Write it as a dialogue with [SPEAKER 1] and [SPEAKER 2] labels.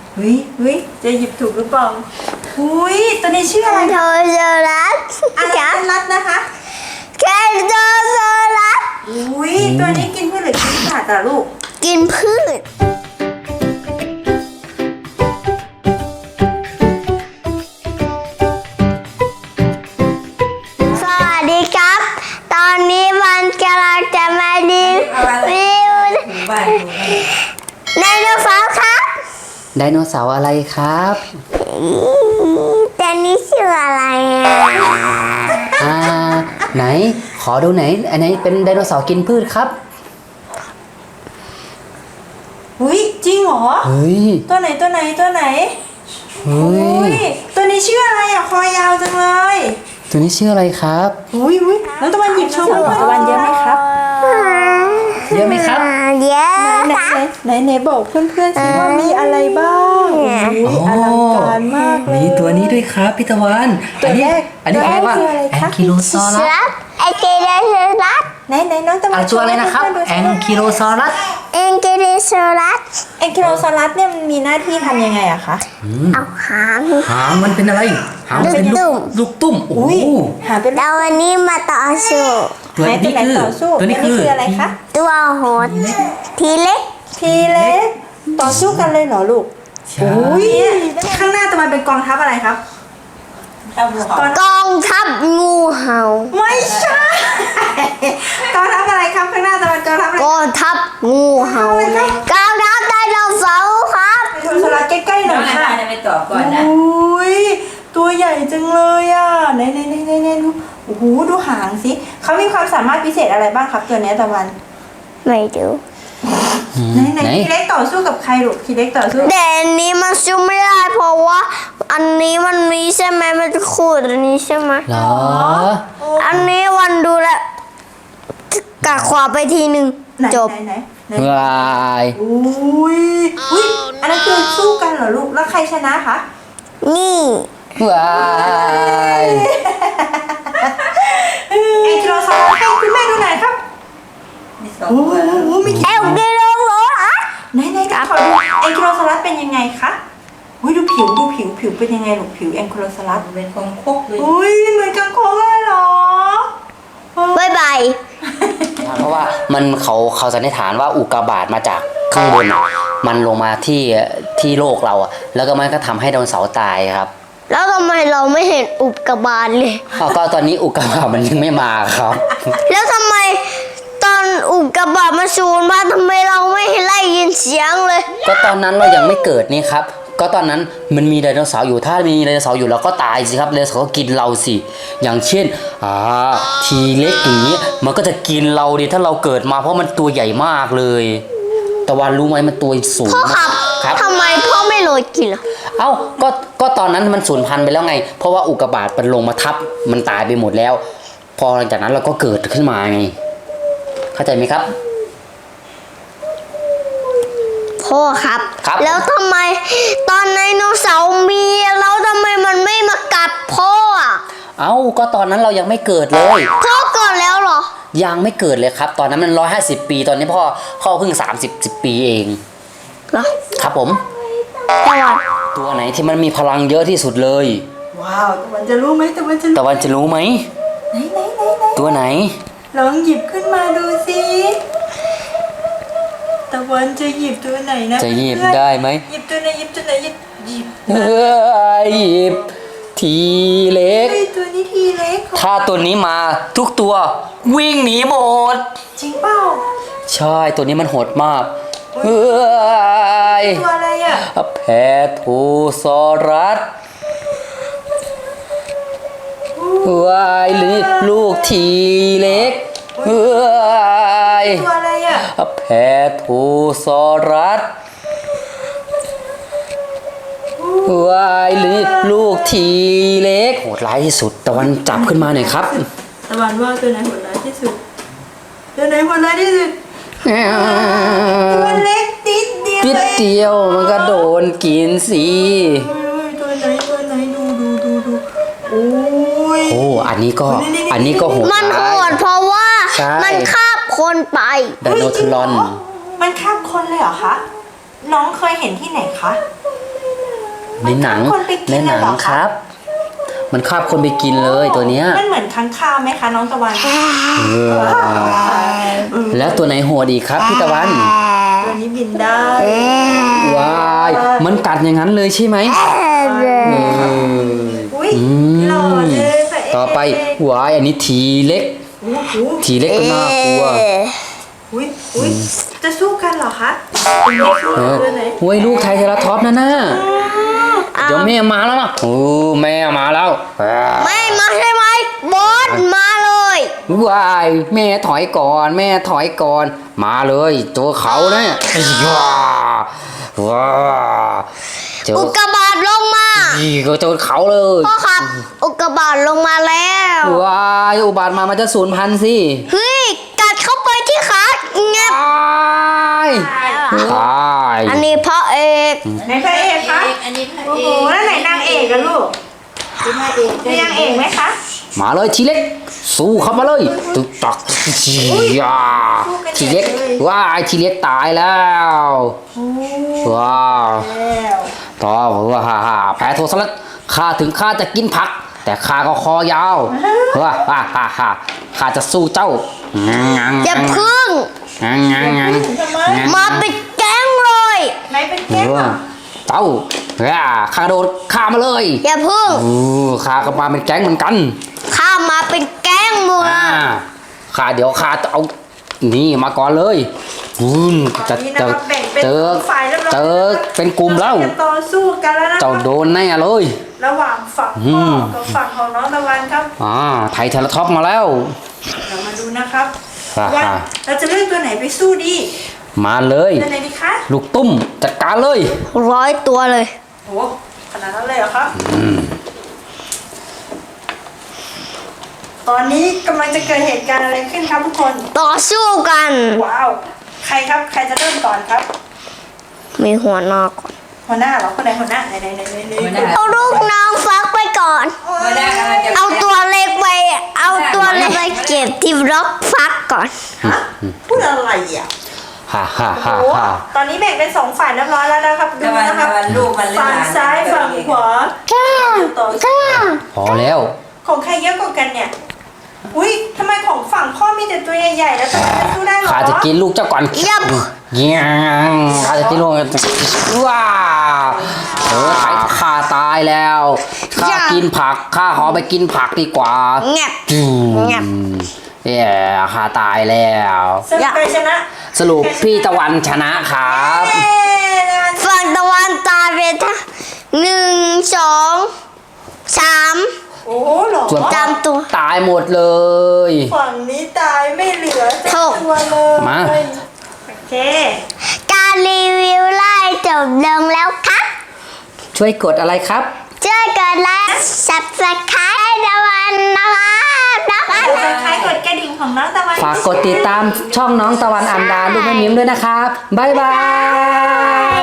[SPEAKER 1] วิจะหยิบถูกหรือเปล่าตัวนี้ชื่ออะไร
[SPEAKER 2] โทโซรัส
[SPEAKER 1] อะไรนัดนะคะ
[SPEAKER 2] แคนโทโซรัส
[SPEAKER 1] ตัวนี้กินพืชหรือกินสัตว์อะลูก
[SPEAKER 2] กินพืชสวัสดีครับ ตอนนี้มันกำลังจะมารีวิวไดโนเสาร์ครับ
[SPEAKER 3] ไดโนเสาร์อะไรครับ
[SPEAKER 2] แต่นี้ชื่ออะไร
[SPEAKER 3] ไหนขอดูไหนอันไหนเป็นไดโนเสาร์กินพืชครับ
[SPEAKER 1] จริงเหรอตัวไหนตัวนี้ชื่ออะไรอะคอยาวจังเลย
[SPEAKER 3] ตัวนี้ชื่ออะไรครับ
[SPEAKER 1] แล้วตะวันหยิบโชว์เพื่อนตะวันเยอะไหมครับ
[SPEAKER 3] เยอะไหมครับ
[SPEAKER 2] เยอะ
[SPEAKER 1] ไหนบอกเพื่อนๆสิว่ามีอะไรบ้างอลังการมากเลย
[SPEAKER 3] มีตัวนี้ด้วยครับพี่ตะวัน
[SPEAKER 1] ตัวแรก
[SPEAKER 3] อันนี้อะไรแองคิโลซอรัส
[SPEAKER 2] แองคิโลซอรัส
[SPEAKER 1] ไหนน้องตะวัน
[SPEAKER 3] ตัวอะไรนะครับแองคิโลซอรัส
[SPEAKER 2] แองคิโลซอรัส
[SPEAKER 1] เนี่ยมันมีหน้าที่ทำยังไงอะคะ
[SPEAKER 2] เอาหาง
[SPEAKER 3] มันเป็นอะไรหางเป็นลูกตุ้ม
[SPEAKER 1] หางเป็น
[SPEAKER 2] แล้ววันนี้มาต่อสู้
[SPEAKER 3] ตัวนี้คือ
[SPEAKER 1] อะไรคะ
[SPEAKER 2] ตัวโหดทีเล็ก
[SPEAKER 1] ต่อสู้กันเลยเหรอลูกข้างหน้าตะวันเป็นกองทัพอะไรครับ
[SPEAKER 2] กองทัพงูเห่า
[SPEAKER 1] ไม่ใช่กองทัพอะไรครับข้างหน้าตะวันกองทัพอะไร
[SPEAKER 2] กองทัพงูเห่ากองทัพไดโนเสาร์ครับ
[SPEAKER 1] ไดโนเสาร์ใกล้ๆหน่อยค่ะ
[SPEAKER 4] ไปต่อก่อนนะ
[SPEAKER 1] ตัวใหญ่จังเลยอ่ะไหนดูหางสิเขามีความสามารถพิเศษอะไรบ้างครับตัวนี้ตะวัน
[SPEAKER 2] ไม่ดู
[SPEAKER 1] ไหนทีเล็กต่อสู้กับใครลูกทีเล็กต่อสู้
[SPEAKER 2] แต่อันนี้มันสู้ไม่ได้เพราะว่าอันนี้มันมีใช่ไหมมันจะขูดอันนี้ใช่ไหม
[SPEAKER 3] หรอ
[SPEAKER 2] อันนี้วันดูแลกัดขวาไปทีหนึ่งจบ
[SPEAKER 3] วาย
[SPEAKER 1] อันนั้นคือสู้กันเหรอลูกแล้วใครชนะคะ
[SPEAKER 2] นี่
[SPEAKER 3] วาย
[SPEAKER 1] แองกิโลซอรัสให้คุณแม่ดูหน่อยครับ
[SPEAKER 2] มีแองกิโลซอรัส
[SPEAKER 1] ไหนขอดูแองกิโลซอรัสเป็นยังไงคะดูผิวเป็นยังไงลูกผิวแองกิโลซอรัส
[SPEAKER 4] เป็นคงคกเลย
[SPEAKER 1] เหมือนกังคกเลยเหรอบ
[SPEAKER 2] ายบาย
[SPEAKER 3] เพราะว่ามันเขาสันนิษฐานว่าอุกกาบาตมาจากข้างบนมันลงมาที่โลกเราแล้วก็มันก็ทำให้ไดโนเสาร์ตายครับ
[SPEAKER 2] แล้วทำไมเราไม่เห็นอุกกาบาตเลย
[SPEAKER 3] ก็ตอนนี้อุกกาบาตมันยังไม่มาครับ
[SPEAKER 2] แล้วทำไมตอนอุกกาบาตมาสูญมาทำไมเราไม่ได้ยินเสียงเลย
[SPEAKER 3] ก็ตอนนั้นเรายังไม่เกิดนี่ครับก็ตอนนั้นมันมีไดโนเสาร์อยู่ถ้ามีไดโนเสาร์อยู่เราก็ตายสิครับไดโนเสาร์ก็กินเราสิอย่างเช่นทีเล็กอย่างนี้มันก็จะกินเราดิถ้าเราเกิดมาเพราะมันตัวใหญ่มากเลยตะวันรู้ไหมมันตัวสูงมาก
[SPEAKER 2] ครับทำไมพ่อไม่โรยกินล่ะ
[SPEAKER 3] ก็ตอนนั้นมันสูญพันธุ์ไปแล้วไงเพราะว่าอุกกาบาตมันลงมาทับมันตายไปหมดแล้วพอหลังจากนั้นเราก็เกิดขึ้นมาไงเข้าใจไหมครับ
[SPEAKER 2] พ่อครับแล้วทำไมตอนไดโนเสาร์มีแล้วทำไมมันไม่มากัดพ่อ
[SPEAKER 3] ก็ตอนนั้นเรายังไม่เกิดเลย
[SPEAKER 2] พ่อเกิดแล้วเหรอ
[SPEAKER 3] ยังไม่เกิดเลยครับตอนนั้นมัน150 ปีตอนนี้พ่อเพิ่ง30 ปีเอง
[SPEAKER 2] เหรอ
[SPEAKER 3] ครับผมตัวไหนที่มันมีพลังเยอะที่สุดเลย
[SPEAKER 1] ว้าวตะวันจะรู้ไหม
[SPEAKER 3] ตะวันจะรู้ไหม
[SPEAKER 1] ไหน
[SPEAKER 3] ตัวไหน
[SPEAKER 1] ลองหยิบขึ้นมาดูสิตะวันจะหยิบตัวไหนนะ
[SPEAKER 3] จะหยิบได้ไหม
[SPEAKER 1] หยิบตัวไหนหยิบ
[SPEAKER 3] ทีเล็ก
[SPEAKER 1] ตัวนี้ทีเล็ก
[SPEAKER 3] ถ้าตัวนี้มาทุกตัววิ่งหนีหมด
[SPEAKER 1] จริงเปล่า
[SPEAKER 3] ใช่ตัวนี้มันโหดมาก
[SPEAKER 1] ตัวอะไร
[SPEAKER 3] แพโทซอรัสวายหรือลูกทีเล็ก
[SPEAKER 1] ตัวอะไร
[SPEAKER 3] แพโทซอรัสวายหรือลูกทีเล็กโหดร้ายที่สุดตะวันจับขึ้นมาหน่อยครับ
[SPEAKER 1] ตะวันว่าตัวไหนโหดร้ายที่สุดตัวเล็กติด
[SPEAKER 3] เดียวมันก็โดนกินสิ
[SPEAKER 1] ตัวไหนดู
[SPEAKER 3] อันนี้ก็โหด
[SPEAKER 2] มันโหดเพราะว่ามันคาบคนไป
[SPEAKER 3] ไดโนทรอน
[SPEAKER 1] มันคาบคนเลยเหรอคะน้องเคยเห็นที่ไหนคะ
[SPEAKER 3] ในหนัง
[SPEAKER 1] มันฆ่าคนไปกิน
[SPEAKER 3] ในหนัง
[SPEAKER 1] เลยเหรอคะ
[SPEAKER 3] ครับ มันคาบคนไปกินเลยตัวเนี้ย
[SPEAKER 1] มันเหมือนค้างคาวไหมคะน้องตะวัน
[SPEAKER 3] แล้วตัวไหนโหดอีกครับพี่ตะวัน
[SPEAKER 1] ตัวนี้บินได้
[SPEAKER 3] ว้าย มันกัดอย่างนั้นเลยใช่ไหม
[SPEAKER 1] อุ้ย
[SPEAKER 3] อื
[SPEAKER 1] หล่อ
[SPEAKER 3] ม
[SPEAKER 1] เลยพระเอก
[SPEAKER 3] ต่อไปว้ายอันนี้ทีเล็ก
[SPEAKER 1] โอ้โห
[SPEAKER 3] ทีเล็กก็น่ากลัว
[SPEAKER 1] อุ้ยอุ้ยจะสู้กันเหรอคะเป็นไม่สู้
[SPEAKER 3] เออ
[SPEAKER 1] เลยไหน
[SPEAKER 3] เว้ยลูกไทรเทราท็อปส์นั่นน่ะเดี๋ยวแม่มาแล้วนะโอ้แม่มาแล้ว
[SPEAKER 2] ไม่มาใช่ไหมบอสมาเลย
[SPEAKER 3] ว้ายแม่ถอยก่อนแม่ถอยก่อนมาเลยเจอเขาเนี่ยว้าว้าเจอ
[SPEAKER 2] อุกกาบาตลงมา
[SPEAKER 3] อีก็เจอเขาเลย
[SPEAKER 2] พ่อครับ อุกกาบาตลงมาแล้ว
[SPEAKER 3] ว้ายอุบาทมามันจะสูญพันธุ์สิ
[SPEAKER 2] เฮ้ยกัดเข้าไปที่ขาเงียบ
[SPEAKER 3] ว้ายตาย
[SPEAKER 2] อันนี้พระเอก
[SPEAKER 1] ไหนพระเอกคะ
[SPEAKER 4] อันนี้พระ
[SPEAKER 1] โอ้
[SPEAKER 4] เอ
[SPEAKER 1] โห
[SPEAKER 4] ก
[SPEAKER 1] แล้วไหนนางเอกกันลูก
[SPEAKER 4] เป็นพระเอก
[SPEAKER 1] มีนางเอกไหมคะ
[SPEAKER 3] มาเลยทีเล็กสู้เข้ามาเลยตึกตักยาทีเล็กว้ายทีเล็กตายแล้วว้าว
[SPEAKER 1] แล้ว
[SPEAKER 3] ต่อว่าแพ้โทสลัดข้าถึงข้าจะกินผัก แต่ข้าก็คอยาวข้าจะสู้เจ้า
[SPEAKER 2] อย่าพึ่ง มาเป็นแก๊งเลย
[SPEAKER 1] ไหนเป็นแก้วอะ
[SPEAKER 3] เจ้าข้าโดนฆ่ามาเลย
[SPEAKER 2] อย่าพึ่ง
[SPEAKER 3] ข้าก็มาเป็นแก๊งเหมือนกัน
[SPEAKER 2] ข้ามาเป็นแก๊งมือ
[SPEAKER 3] ข้าเดี๋ยวข้าจะเอานี่มาก่อนเลยจะ
[SPEAKER 1] นี่นะครับแบ่งเป็น
[SPEAKER 3] เจอ
[SPEAKER 1] ฝ่ายเรียบร้อย
[SPEAKER 3] เจอเป็นกลุ่มแล้ว
[SPEAKER 1] จะต่อสู้กันแล้วนะค
[SPEAKER 3] เจ้า
[SPEAKER 1] รับ
[SPEAKER 3] โดนแน่เลย
[SPEAKER 1] ระหว่างฝั่งพ่อกับฝั่งของน้องตะวันครับ
[SPEAKER 3] ไทยเทเลท็อปมาแล้ว
[SPEAKER 1] เรามาดูนะครับ
[SPEAKER 3] อ่า
[SPEAKER 1] ว่าเราจะเลือกตัวไหนไปสู้ดี
[SPEAKER 3] มาเลย
[SPEAKER 1] ตัวไหนดีคะ
[SPEAKER 3] ลูกตุ้มจัดการเลย
[SPEAKER 2] 100 ตัวเลย
[SPEAKER 1] โอ้ขนาดนั้นเลยเหรอครับตอนนี้กำลังจะเกิดเหตุการณ์อะไรขึ้นครับทุกคน
[SPEAKER 2] ต่อสู้กัน
[SPEAKER 1] ว้าว ใครครับ ใครจะเริ่มก่อนครับ
[SPEAKER 2] มีหัวหนอกก่อน
[SPEAKER 1] หัวหน้าเหรอ คนไหนหัวหน้าไหน
[SPEAKER 2] เอาลูกน้องฟักไปก่อน
[SPEAKER 4] หัวหน้ากำลังจะ
[SPEAKER 2] เอาตัวเล็กไป เอาตัวเล็กไปเก็บที่ล็อกฟักก่อน
[SPEAKER 1] ฮะพูดอะไรอ่ะ
[SPEAKER 3] ฮ่า
[SPEAKER 1] โอ้ตอนนี้แบ่งเป็น2ฝ่ายเรียบร้อยแล้วนะครับ ดู
[SPEAKER 4] ตะวัน
[SPEAKER 1] นะครับ
[SPEAKER 4] ตะวันลูกมันเล่น
[SPEAKER 1] ฝั่ง
[SPEAKER 4] หลาน
[SPEAKER 1] ซ้ายฝั่งขวาต่อสู้
[SPEAKER 3] พอแล้ว
[SPEAKER 1] ของใครเยอะกว่ากันเนี่ย อุ้ยทำไมของฝั่งพ่อมีแต่ตัวใหญ่ๆแล้วทำไมจะสู้ได้เหรอ
[SPEAKER 3] ข้าจะกินลูกเจ้าก่อน
[SPEAKER 2] ยับ
[SPEAKER 3] เงี้ยงข้าจะกินลูกว้าไทยข้าตายแล้วข้ากินผักข้าขอไปกินผักดีกว่า
[SPEAKER 2] เงียบ เงียบ
[SPEAKER 3] ข้าตายแล้ว
[SPEAKER 1] สรุปใครชนะ
[SPEAKER 3] สรุปพี่ตะวันชนะครับ
[SPEAKER 1] เย้
[SPEAKER 2] ฝั่งตะวันตายไปทั้ง1 2 3
[SPEAKER 1] โอ้โหเหรอ
[SPEAKER 3] ส่วน
[SPEAKER 2] จำตัว
[SPEAKER 3] ตายหมดเลย
[SPEAKER 1] ฝั่งนี้ตายไม่เหลือสักตัวเลย
[SPEAKER 3] มา
[SPEAKER 1] โอเค
[SPEAKER 2] การรีวิวไล่จบลงแล้วครับ
[SPEAKER 3] ช่วยกดอะไรครับ
[SPEAKER 2] ช่วยกดไลค์ Subscribe ให้ตะวันนะครับนะครับ
[SPEAKER 1] กดคล้ายๆกดกระดิ่งของน้องตะวัน
[SPEAKER 3] ฝากกดติดตามช่องน้องตะวันอันดาลูกแม่มิ้มด้วยนะครับ บ๊ายบาย